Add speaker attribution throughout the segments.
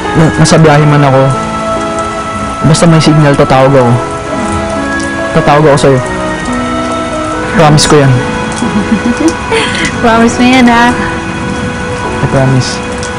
Speaker 1: nasa biyahe man ako, basta may signal, tatawag ako. Tatawag ako sa'yo. Promise ko yan.
Speaker 2: Promise mo yan, ha?
Speaker 1: I promise.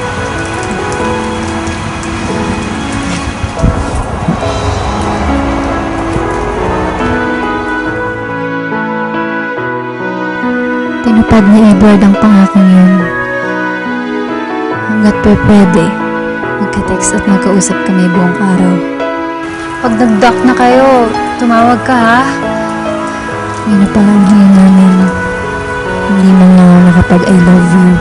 Speaker 2: Tinupad ni Edward ang pangakong yun. Hanggat pwede, magka-text at magkausap kami buong araw. Pag nag-dock na kayo, tumawag ka, ha? Yun na pala ang hiling namin. Hindi man na nakapag-I love you.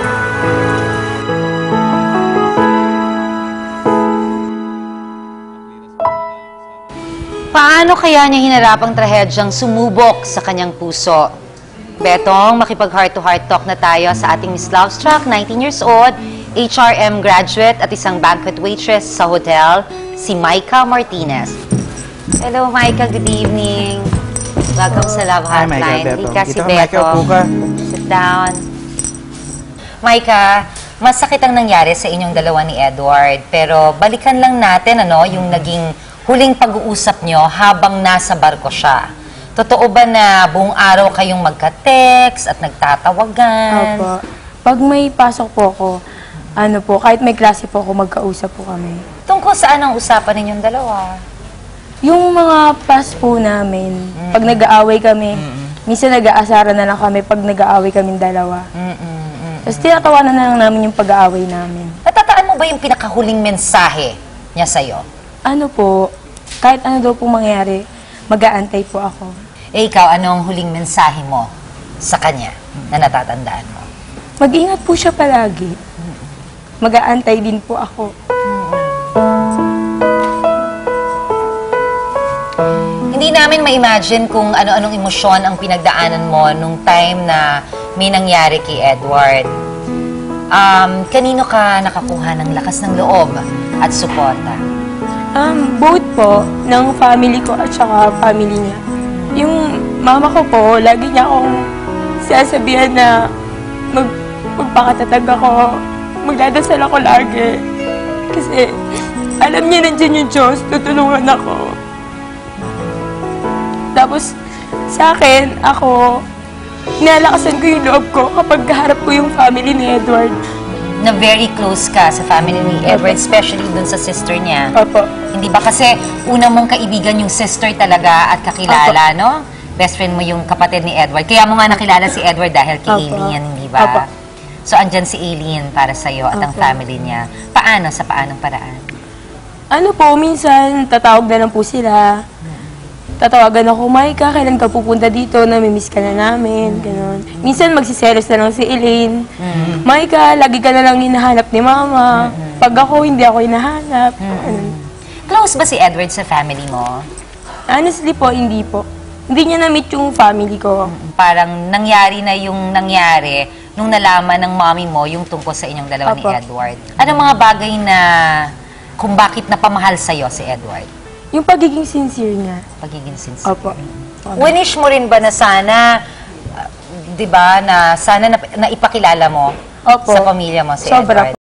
Speaker 3: Paano kaya niya hinarap ang trahedyang sumubok sa kanyang puso? Betong, makipag heart-to-heart talk na tayo sa ating Miss Lovestruck, 19 years old, HRM graduate at isang banquet waitress sa hotel, si Micah Martinez. Hello, Micah. Good evening. Welcome sa Love Hotline. Halika si Betong. Sit down. Micah, masakit ang nangyari sa inyong dalawa ni Edward. Pero balikan lang natin yung naging huling pag-uusap nyo habang nasa barko siya. Totoo ba na buong araw kayong magka-text at nagtatawagan?
Speaker 4: Opo. Pag may pasok po ako, kahit may klase po ako, magkausap po kami.
Speaker 3: Tungkol saan ang usapan ninyong dalawa?
Speaker 4: Yung mga past po namin, pag nag-aaway kami, minsan nag-aasara na lang kami pag nag-aaway kaming dalawa. Tapos tinatawanan na lang namin yung pag-aaway namin.
Speaker 3: Natataan mo ba yung pinakahuling mensahe niya sa'yo?
Speaker 4: Kahit ano daw po mangyari, mag-aantay po ako.
Speaker 3: Ikaw, anong huling mensahe mo sa kanya na natatandaan mo?
Speaker 4: Mag-ingat po siya palagi. Mag-aantay din po ako.
Speaker 3: Hindi namin ma-imagine kung ano-anong emosyon ang pinagdaanan mo nung time na may nangyari kay Edward. Kanino ka nakakuha ng lakas ng loob at suporta?
Speaker 4: Both po, ng family ko at saka family niya. Yung mama ko po, lagi niya akong sasabihan na magpakatatag ako, magdadasal ako lagi. Kasi alam niya nandiyan yung Diyos, tutulungan ako. Tapos sa akin, nalakasan ko yung loob ko kapag harap ko yung family ni Edward.
Speaker 3: Na very close ka sa family ni Edward, especially dun sa sister niya.
Speaker 4: Opo.
Speaker 3: Hindi ba kasi una mong kaibigan yung sister talaga at kakilala,
Speaker 4: Opo.
Speaker 3: no? Best friend mo yung kapatid ni Edward. Kaya mo nga nakilala si Edward dahil kay
Speaker 4: Opo.
Speaker 3: Aileen, hindi ba?
Speaker 4: Opo.
Speaker 3: So, andyan si Aileen para sa'yo at ang
Speaker 4: Opo.
Speaker 3: family niya. Paano? Sa paanong paraan?
Speaker 4: Minsan tatawag na lang po sila. Tatawagan ako, Micah, kailan ka pupunta dito? Namimiss ka na namin, gano'n. Minsan magsiselos na lang si Elaine. Micah, lagi ka na lang hinahanap ni Mama. Pag ako, hindi ako hinahanap.
Speaker 3: Close ba si Edward sa family mo?
Speaker 4: Honestly po, hindi po. Hindi niya na-meet yung family ko.
Speaker 3: Parang nangyari na yung nangyari nung nalaman ng mommy mo yung tungkol sa inyong dalawa ni
Speaker 4: Opo.
Speaker 3: Edward. Anong mga bagay na kung bakit napamahal sa'yo si Edward?
Speaker 4: Yung pagiging sincere niya.
Speaker 3: Pagiging sincere.
Speaker 4: Opo.
Speaker 3: Winish mo rin ba na sana, di ba, na sana na ipakilala mo
Speaker 4: Opo.
Speaker 3: sa pamilya mo si
Speaker 4: Sobra
Speaker 3: Edward?